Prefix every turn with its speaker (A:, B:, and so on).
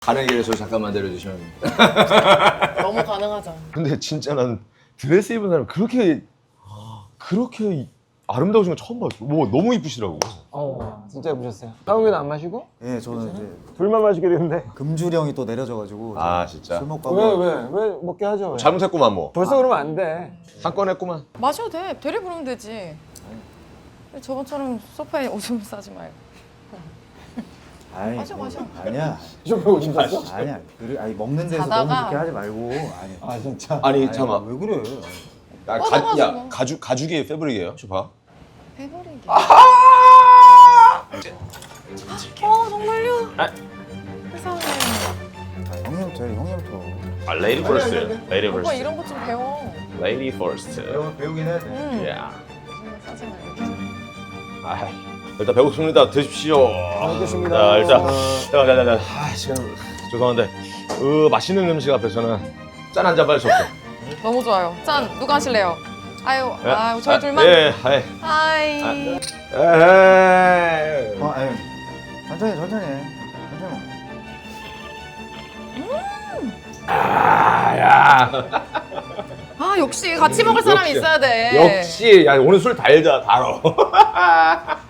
A: 가는 길에 저 잠깐만 내려주시면 됩니다.
B: 너무 가능하죠.
A: 근데 진짜 난 드레스 입은 사람 그렇게 아름다우신 거 처음 봤어. 뭐 너무 이쁘시더라고.
C: 진짜 예쁘셨어요. 한국에는 안 마시고?
D: 예, 저는 이제
C: 둘만 마시게 되는데.
D: 금주령이 또 내려져가지고
A: 아 진짜.
D: 술 먹고 한번
C: 왜 먹게 하죠? 왜?
A: 잘못했구만 뭐.
C: 벌써 그러면 안 돼.
A: 한 건 했구만.
B: 마셔도 돼. 대리 부르면 되지. 저번처럼 소파에 오줌 싸지 말고.
D: 아니,
B: 마셔, 마셔.
D: 아니야.
C: 쇼페 오줌 쌌어?
D: 아니야. 아니 먹는 데서
B: 자다가-
D: 너무 그렇게 하지 말고. 아니.
C: 아 진짜?
A: 아니 잠깐만.
D: 왜 그래?
A: 야,
B: 뻗어가지고.
A: 가죽이 패브릭이에요, 쇼파.
B: 해버리기.
A: 아!
B: 정말요?
A: 아.
B: 세상에.
D: 형님부터 해, 형님부터.
A: 아, 레이디 퍼스트. 레이디
B: 오빠
A: 퍼스트.
B: 이런 거 좀 배워.
A: 레이디 퍼스트.
D: 배우긴 해야 돼.
A: 야.
B: 오줌 싸지 말고.
A: 아, 일단 배고프습니다. 드십시오.
C: 알겠습니다.
A: 자, 일단 자. 아, 시간 죄송한데, 맛있는 음식 앞에서는 짠 한 잔 빨리 줬어.
B: 너무 좋아요. 짠, 누가 하실래요? 아유, 저희 둘만.
A: 예,
B: 하이.
A: 에이.
D: 아니, 천천히 해. 천천히 먹어.
A: 야.
B: 역시 같이 먹을 사람이
A: 역시.
B: 있어야 돼.
A: 역시, 야 오늘 술 달다 달어.